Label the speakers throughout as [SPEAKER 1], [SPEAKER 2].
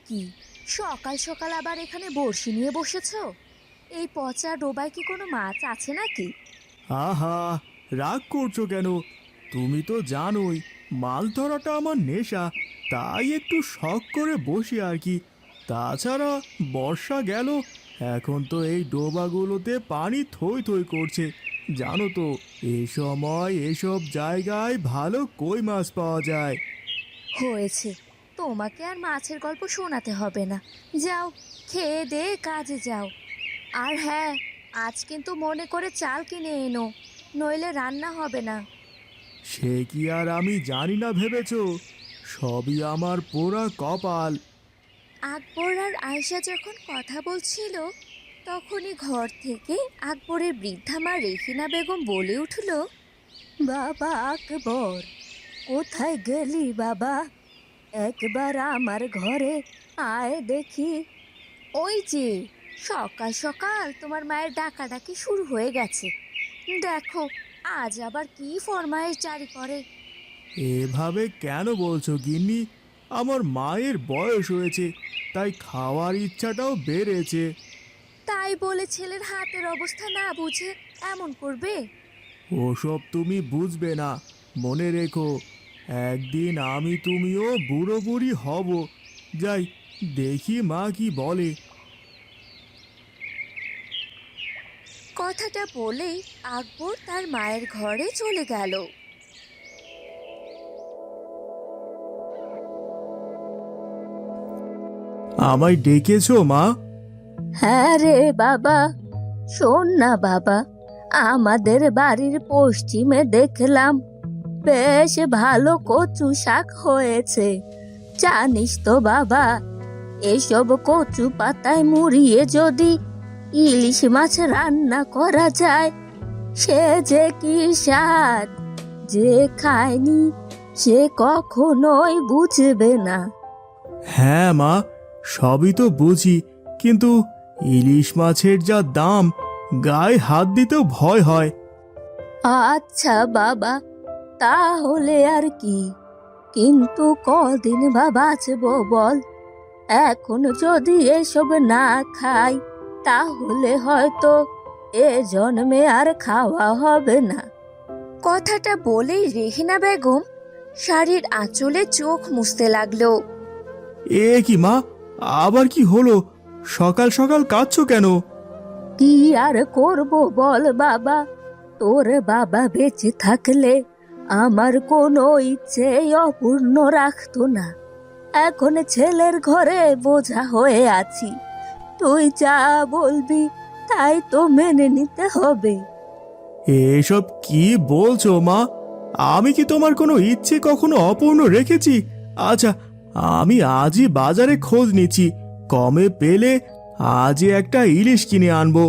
[SPEAKER 1] কি সকাল সকাল আবার এখানে বড়শি নিয়ে বসেছো? এই পচা ডোবায় কি কোনো মাছ আছে নাকি?
[SPEAKER 2] আহা, রাগ করছো কেন? তুমি তো জানোই মাছ ধরাটা আমার নেশা, তাই একটু শখ করে বসি আর কি। তাছাড়া বর্ষা গেল, এখন তো এই ডোবাগুলোতে পানি থই থই করছে। জানো তো, এই সময় এসব জায়গায় ভালো কই মাছ পাওয়া যায়।
[SPEAKER 1] হয়েছে, তোমাকে আর মাছের গল্প শোনাতে হবে না। যাও, খেয়ে দে কাজে যাও। আর হ্যাঁ, আজ কিন্তু মনে করে চাল কিনে এনো, নইলে রান্না হবে না।
[SPEAKER 2] সে কি আর আমি জানি না ভেবেছো? সবই আমার পোড়া কপাল।
[SPEAKER 1] আকবর আর আয়েশা যখন কথা বলছিল, তখনই ঘর থেকে আকবরের বৃদ্ধা মা রেহিনা বেগম বলে উঠল, বাবা আকবর, কোথায় গেলি বাবা? একবার আমার ঘরে আয় দেখি। ওই যে, সকাল সকাল তোমার মায়ের ডাকাডাকি শুরু হয়ে গেছে। দেখো, আজ আবার কি ফরমায়েশ জারি করে।
[SPEAKER 2] এভাবে কেন বলছো গিন্নি? আমার মায়ের বয়স হয়েছে, তাই খাওয়ার ইচ্ছাটাও বেড়েছে।
[SPEAKER 1] তাই বলে ছেলের হাতের অবস্থা না বুঝে এমন করবে?
[SPEAKER 2] ওসব তুমি বুঝবে না। মনে রেখো, একদিন আমি তুমিও বুড়ো বুড়ি হব। যাই, দেখি মা কি বলে।
[SPEAKER 1] কথাটা বলেই আকবর তার মায়ের ঘরে চলে গেল।
[SPEAKER 2] আমায় ডেকেছো মা?
[SPEAKER 1] হ্যাঁ রে বাবা, শোন না বাবা, আমাদের বাড়ির পশ্চিমে দেখলাম বেশ ভালো কচু শাক হয়েছে। জানিস তো বাবা, এসব কচু পাতায় মুড়িয়ে যদি ইলিশ মাছ রান্না করা যায়, সে যে কি স্বাদ! যে খায়নি সে কখনোই বুঝবে না।
[SPEAKER 2] হ্যাঁ মা, সবই তো বুঝি, কিন্তু ইলিশ মাছের যা দাম, গায়ে হাত দিতেও ভয় হয়।
[SPEAKER 1] আচ্ছা বাবা, তাহলে আর কি, কিন্তু কদিন বা বাঁচবো বল? এখন যদি এসব না খাই, তাহলে হয়তো এ জন্মে আর খাওয়া হবে না। কথাটা বলেই রেহিনা বেগম শাড়ির আঁচলে চোখ মুছতে লাগলো।
[SPEAKER 2] এ কি মা, আবার কি হলো? সকাল সকাল কাঁদছো কেন?
[SPEAKER 1] কি আর করব বল বাবা, তোর বাবা বেঁচে থাকলে আমার কোনো ইচ্ছে অপূর্ণ রাখতো না। এখন ছেলের ঘরে বোঝা হয়ে আছি, তুই যা বলবি তাই তো মেনে নিতে হবে।
[SPEAKER 2] এসব কি বলছো মা? আমি কি তোমার কোনো ইচ্ছে কখনো অপূর্ণ রেখেছি? আচ্ছা, আমি আজই বাজারে খোঁজ নিচ্ছি, কমে পেলে আজই একটা ইলিশ কিনে আনবো।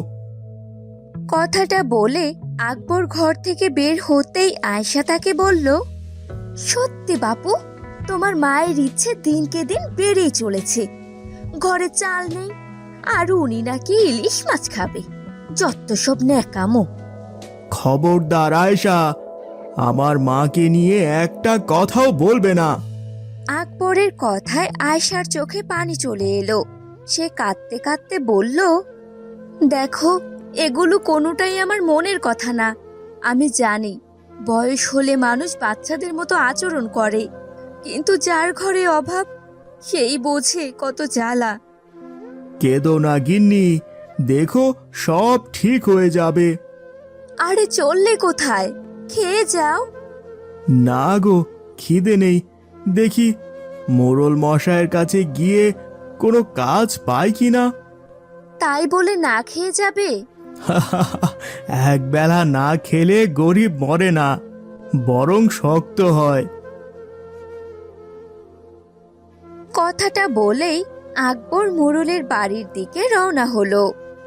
[SPEAKER 1] কথাটা বলে আকবর ঘর থেকে বের হতেই আয়শা তাকে বলল, সত্যি বাপু, তোমার মায়ের ইচ্ছে দিনকে দিন বেড়েই চলেছে। ঘরে চাল নেই, আর উনি নাকি ইলিশ মাছ খাবে। যত সব ন্যাকামো।
[SPEAKER 2] খবরদার আয়েশা, আমার মাকে নিয়ে একটা কথাও বলবে না।
[SPEAKER 1] আকবরের কথায় আয়শার চোখে পানি চলে এলো। সে কাঁদতে কাঁদতে বলল, দেখো, এগুলো কোনোটাই আমার মনের কথা না। আমি জানি বয়স হলে মানুষ বাচ্চাদের মতো আচরণ করে, কিন্তু যার ঘরে অভাব সেই বোঝে কত জ্বালা।
[SPEAKER 2] কেঁদো না গিন্নি, দেখো সব ঠিক হয়ে যাবে।
[SPEAKER 1] আরে চললে কোথায়? খেয়ে যাও।
[SPEAKER 2] না গো, খিদে নেই। দেখি মোড়ল মশাইয়ের কাছে গিয়ে কোনো কাজ পাই কিনা।
[SPEAKER 1] তাই বলে না খেয়ে যাবে?
[SPEAKER 2] একবেলা না খেলে গরিব মরে না, বরং শক্ত হয়।
[SPEAKER 1] কথাটা বলেই আকবর মোড়লের বাড়ির দিকে রওনা হলো।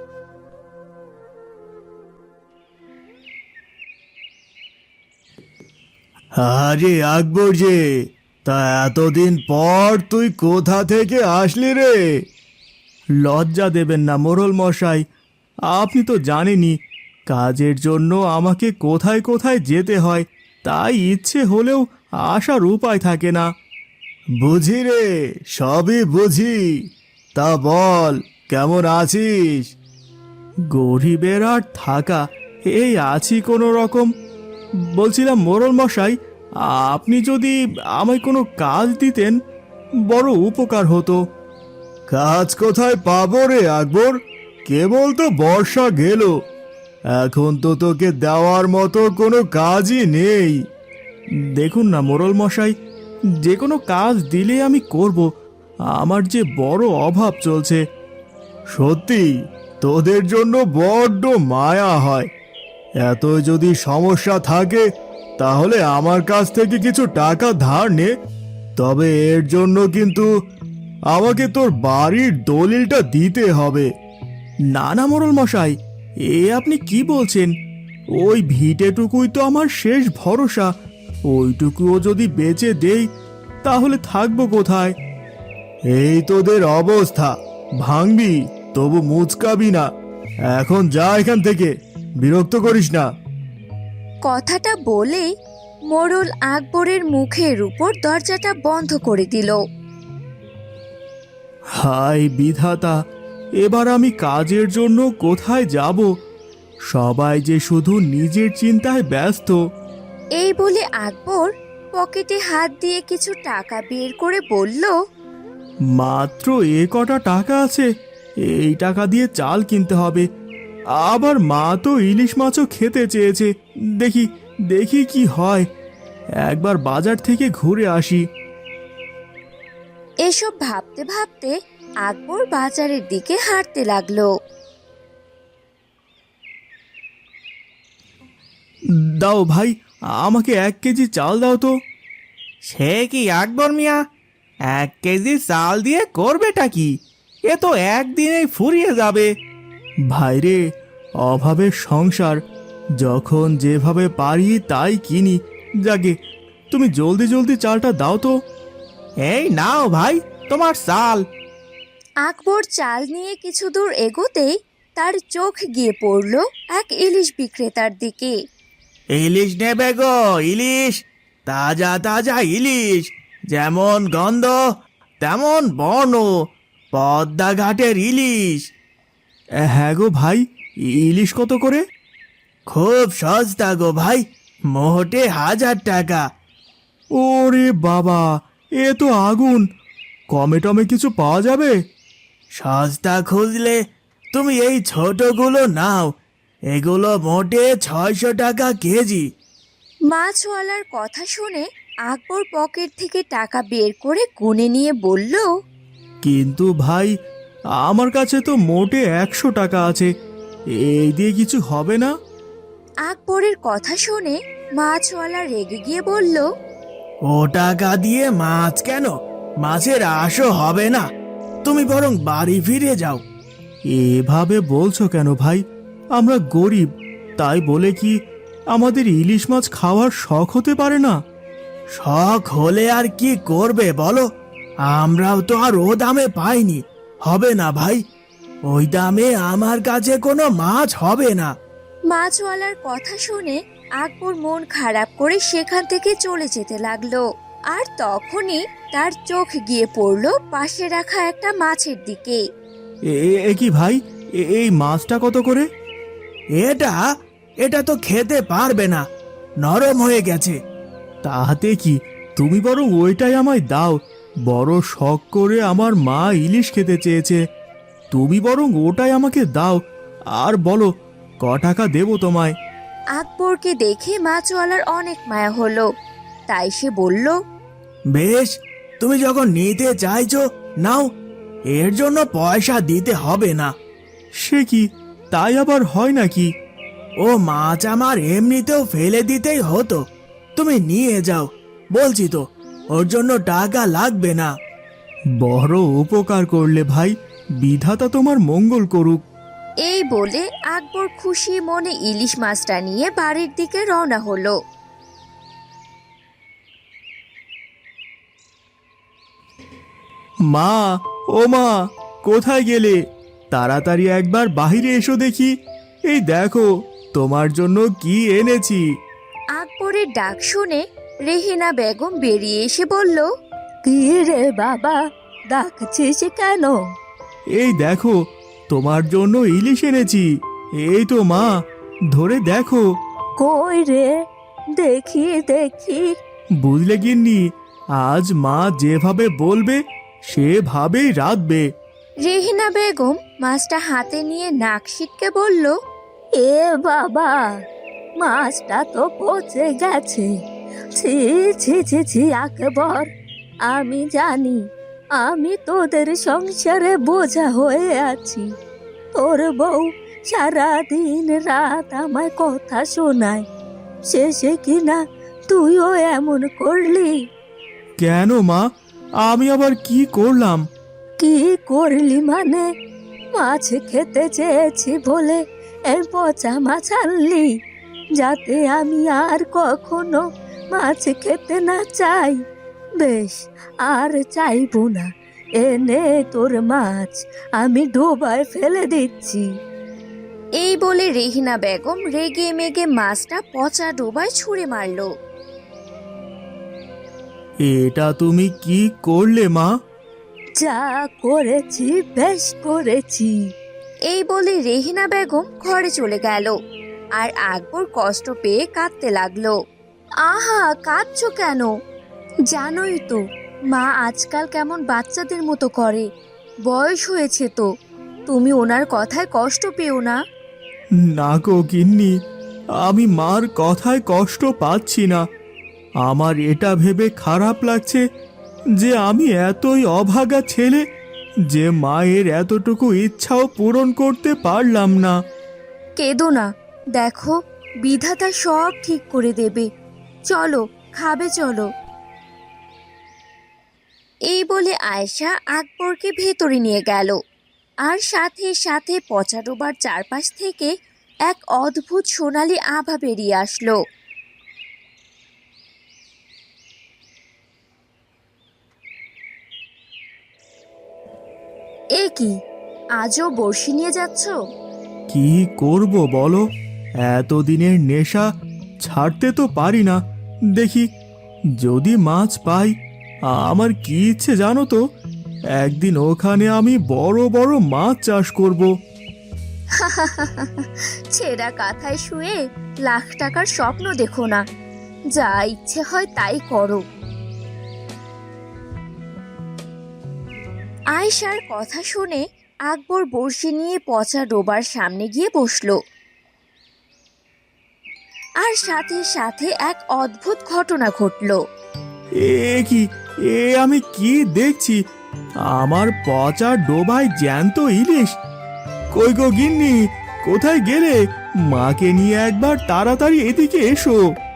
[SPEAKER 2] আরে আকবর যে, তা এতদিন পর তুই কোথা থেকে আসলি রে? লজ্জা দেবেন না মোড়ল মশাই, আপনি তো জানেনই কাজের জন্য আমাকে কোথায় কোথায় যেতে হয়, তাই ইচ্ছে হলেও আসার উপায় থাকে না। বুঝি রে, সবই বুঝি। তা বল, কেমন আছিস? গরিবের আর থাকা, এই আছি কোনো রকম। বলছিলাম মোড়ল মশাই, আপনি যদি আমায় কোনো কাজ দিতেন বড় উপকার হতো। কাজ কোথায় পাবো রে আকবর? কেবল তো বর্ষা গেল, এখন তো তোকে দেওয়ার মতো কোনো কাজই নেই। দেখুন না মোড়ল মশাই, যে কোনো কাজ দিলে আমি করব। আমার যে বড় অভাব চলছে। সত্যি তোদের জন্য বড্ড মায়া হয়। এত যদি সমস্যা থাকে তাহলে আমার কাছ থেকে কিছু টাকা ধার নে, তবে এর জন্য কিন্তু আমাকে তোর বাড়ির দলিলটা দিতে হবে। না না মোড়ল মশাই, এ আপনি কি বলছেন? ওই ভিটেটুকুই তো আমার শেষ ভরসা। ওইটুকুও যদি বেচে দেই তাহলে থাকবো কোথায়? এই তোদের অবস্থা, ভাঙবি তবু মুচকাবি না। এখন যা এখান থেকে, বিরক্ত করিস না।
[SPEAKER 1] কথাটা বলেই মোড়ল আকবরের মুখের উপর দরজাটা বন্ধ করে দিল।
[SPEAKER 2] হায় বিধাতা, এবার আমি কাজের জন্য কোথায় যাব? সবাই যে শুধু নিজের চিন্তায় ব্যস্ত।
[SPEAKER 1] এই বলে আকবর পকেটে হাত দিয়ে কিছু টাকা বের করে বলল,
[SPEAKER 2] মাত্র এ কটা টাকা আছে, এই টাকা দিয়ে চাল কিনতে হবে। আবার মা তো ইলিশ মাছও খেতে চেয়েছে। দেখি দেখি কি হয়, একবার বাজার থেকে ঘুরে আসি।
[SPEAKER 1] এসব ভাবতে ভাবতে আকবর বাজারের দিকে হাঁটতে লাগলো।
[SPEAKER 2] দাও ভাই, আমাকে 1 কেজি চাল দাও তো।
[SPEAKER 3] সে কি আকবর মিয়া, 1 কেজি চাল দিয়ে করবেটা কি? এ তো একদিনেই ফুরিয়ে যাবে।
[SPEAKER 2] ভাইরে, অভাবের সংসার, যখন যেভাবে পারি তাই কিনি। যাকে তুমি জলদি জলদি চালটা দাও তো।
[SPEAKER 3] এই নাও ভাই তোমার চাল।
[SPEAKER 1] আকবর চাল নিয়ে কিছু দূর এগোতেই তার চোখ গিয়ে পড়ল এক ইলিশ বিক্রেতার দিকে।
[SPEAKER 3] ইলিশ নেবে গো, ইলিশ, তাজা তাজা ইলিশ, যেমন গন্ধ তেমন বর্ণ, পদ্মা ঘাটের ইলিশ।
[SPEAKER 2] হ্যাঁ গো ভাই, ইলিশ কত করে?
[SPEAKER 3] খুব সস্তা গো ভাই, মোটে 1000 টাকা।
[SPEAKER 2] ওরে বাবা, এ তো আগুন! কমে টমে কিছু পাওয়া যাবে?
[SPEAKER 3] সস্তা খুঁজলে তুমি এই ছোটগুলো নাও, এগুলো মোটে 600 টাকা কেজি।
[SPEAKER 1] মাছওয়ালার কথা শুনে আকবর পকেট থেকে টাকা বের করে গুনে নিয়ে বলল,
[SPEAKER 2] কিন্তু ভাই, আমার কাছে তো মোটে 100 টাকা আছে, এই দিয়ে কিছু হবে না?
[SPEAKER 1] আকবরের কথা শুনে মাছওয়ালা রেগে গিয়ে বলল,
[SPEAKER 3] ও টাকা দিয়ে মাছ কেন? মাছের আশও হবে না, তুমি বরং বাড়ি ফিরে যাও।
[SPEAKER 2] এভাবে বলছো কেন ভাই? আমরা গরিব, তাই বলে কি আমাদের ইলিশ মাছ খাওয়ার শখ হতে পারে না?
[SPEAKER 3] শখ হলে আর কি করবে বলো? আমরাও তো আর ও দামে পাইনি। হবে না ভাই, ওই দামে আমার কাছে কোনো মাছ হবে না।
[SPEAKER 1] মাছওয়ালার কথা শুনে আকবর মন খারাপ করে সেখান থেকে চলে যেতে লাগলো। আর তখনই তার চোখ গিয়ে পড়লো পাশে রাখা একটা মাছের দিকে।
[SPEAKER 2] এ কি ভাই, এই মাছটা কত করে?
[SPEAKER 3] এটা এটা তো খেতে পারবে না, নরম হয়ে গেছে।
[SPEAKER 2] তাহাতে কি, তুমি বরং ওইটাই আমায় দাও। বড় শখ করে আমার মা ইলিশ খেতে চেয়েছে, তুমি বরং ওটাই আমাকে দাও। আর বলো, ক টাকা দেবো তোমায়?
[SPEAKER 1] আকবরকে দেখে মাছওয়ালার অনেক মায়া হলো, তাই সে বলল,
[SPEAKER 3] বেশ, তুমি যখন নিতে চাইছো নাও, এর জন্য পয়সা দিতে হবে না।
[SPEAKER 2] সে কি, তাই আবার হয় নাকি?
[SPEAKER 3] ও মাছ আমার এমনিতেও ফেলে দিতেই হতো, তুমি নিয়ে যাও। বলছি তো, ওর জন্য টাকা লাগবে না।
[SPEAKER 2] বড় উপকার করলে ভাই, বিধাতা তোমার মঙ্গল করুক।
[SPEAKER 1] এই বলে আকবর খুশি মনে ইলিশ মাছটা নিয়ে বাড়ির দিকে রওনা হলো।
[SPEAKER 2] মা, ও মা, কোথায় গেলে? তাড়াতাড়ি একবার বাহিরে এসো দেখি। এই দেখো, তোমার জন্য কি এনেছি।
[SPEAKER 1] আকবরের ডাক শুনে রেহেনা বেগম বেরিয়ে এসে বলল, কি রে বাবা, ডাকছিস কেন?
[SPEAKER 2] এই দেখো, তোমার জন্য ইলিশ এনেছি। এই তো মা, ধরে দেখো।
[SPEAKER 1] কই রে, দেখি দেখি।
[SPEAKER 2] বুঝলে গিন্নি, আজ মা যেভাবে বলবে সেভাবেই রাঁধবে।
[SPEAKER 1] রেহিনা বেগম মাছটা হাতে নিয়ে নাক সিটকে বলল, এ বাবা, মাছটা তো পচে গেছে। ছি ছি ছি ছি আকবর, আমি জানি আমি তোদের সংসারে বোঝা হয়ে আছি। তোর বউ সারাদিন রাত আমায় কথা শোনায়, শেষে কিনা তুইও এমন করলি।
[SPEAKER 2] কেন মা, আমি আবার কি করলাম?
[SPEAKER 1] কি করলি মানে? মাছ খেতে চেয়েছি বলে এই পচা মাছ আনলি, যাতে আমি আর কখনো মাছ খেতে না চাই। বেশ, আর চাইবো না। এনে তোর মাছ, আমি ডোবায় ফেলে দিচ্ছি। এই বলে রেহিনা বেগম রেগে মেগে মাছটা পচা ডোবায় ছুঁড়ে মারলো।
[SPEAKER 2] এটা তুমি কি করলে মা?
[SPEAKER 1] যা করেছি বেশ করেছি। এই বলে রেহিনা বেগম ঘরে চলে গেল, আর আকবর কষ্ট পেয়ে কাঁদতে লাগলো। আহা, কাঁদছো কেন? জানোই তো মা আজকাল কেমন বাচ্চাদের মতো করে। বয়স হয়েছে তো, তুমি ওনার কথায় কষ্ট পেও না।
[SPEAKER 2] না গো গিন্নি, আমি মার কথায় কষ্ট পাচ্ছি না। আমার এটা ভেবে খারাপ লাগছে যে আমি এতই অভাগা ছেলে যে মায়ের এতটুকু ইচ্ছাও পূরণ করতে পারলাম না।
[SPEAKER 1] কেঁদো না, দেখো বিধাতা সব ঠিক করে দেবে। চলো, খাবে চলো। এই বলে আয়েশা আকবরকে ভেতরে নিয়ে গেল, আর সাথে সাথে পচা ডোবার চারপাশ থেকে এক অদ্ভুত সোনালি আভা বেরিয়ে আসলো। এ কি, আজও বড়শি নিয়ে যাচ্ছ?
[SPEAKER 2] কি করব বলো, এতদিনের নেশা ছাড়তে তো পারি না। দেখি যদি মাছ পাই। আমার কি ইচ্ছে জানো তো, একদিন ওখানে আমি বড় বড় মাছ চাষ করব।
[SPEAKER 1] ছেঁড়া কাঁথায় শুয়ে লাখ টাকার স্বপ্ন দেখো না, যা ইচ্ছে হয় তাই করো। আয়েশার কথা শুনে আকবর বড়শি নিয়ে পচা ডোবার সামনে গিয়ে বসলো, আর সাথে সাথে এক অদ্ভুত ঘটনা ঘটলো।
[SPEAKER 2] এ কি, আমি কি দেখছি? আমার পচা ডোবায় জ্যান্ত ইলিশ। কই গো গিন্নি, কোথায় গেলে? মাকে নিয়ে একবার তাড়াতাড়ি এদিকে এসো।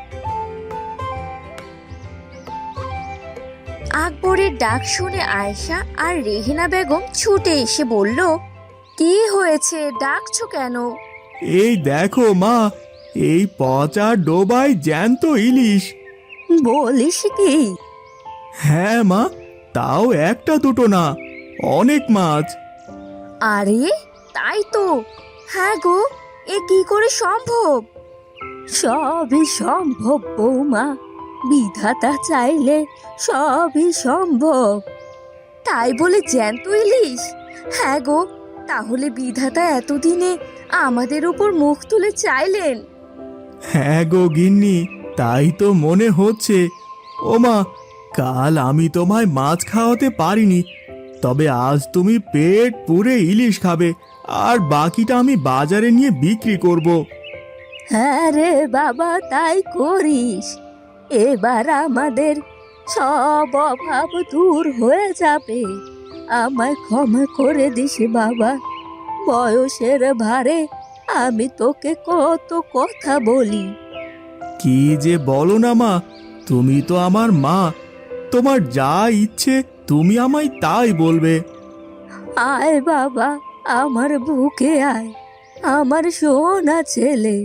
[SPEAKER 1] আকবরের ডাক শুনে আয়েশা আর রেহিনা বেগম ছুটে এসে বলল, কি হয়েছে, ডাকছো কেন?
[SPEAKER 2] এই দেখো মা, এই পচা ডোবায় জ্যান্ত ইলিশ।
[SPEAKER 1] বলিস কি?
[SPEAKER 2] হ্যাঁ মা, তাও একটা দুটো না, অনেক মাছ।
[SPEAKER 1] আরে তাই তো, হ্যাঁ গো, এ কি করে সম্ভব? সবই সম্ভব বৌমা, বিধাতা চাইলে সবই সম্ভব। তাই বলে জ্যান্ত ইলিশ? হ্যাঁ গো, তাহলে বিধাতা এতদিনে আমাদের উপর মুখ তুলে চাইলেন।
[SPEAKER 2] হ্যাঁ গো গিন্নি, তাই তো মনে হচ্ছে। ও মা, কাল আমি তোমায় মাছ খাওয়াতে পারিনি, তবে আজ তুমি পেট পুরে ইলিশ খাবে, আর বাকিটা আমি বাজারে নিয়ে বিক্রি করব।
[SPEAKER 1] হ্যাঁ রে বাবা, তাই করিস। এবার আমাদের সব অভাব দূর হয়ে যাবে। আমায় ক্ষমা করে দিস বাবা, বয়সের ভারে আমি তোকে কত কথা বলি।
[SPEAKER 2] কি যে বলো না মা, তুমি তো আমার মা, তোমার যা ইচ্ছে তুমি আমায় তাই বলবে।
[SPEAKER 1] আয় বাবা, আমার বুকে আয়, আমার সোনা ছেলে।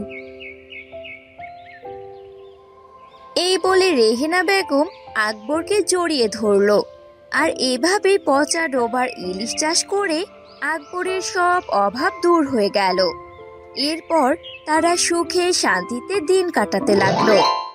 [SPEAKER 1] এই বলে রেহেনা বেগম আকবরকে জড়িয়ে ধরলো, আর এভাবেই পচা ডোবার ইলিশ চাষ করে আকবরের সব অভাব দূর হয়ে গেল। এরপর তারা সুখে শান্তিতে দিন কাটাতে লাগলো।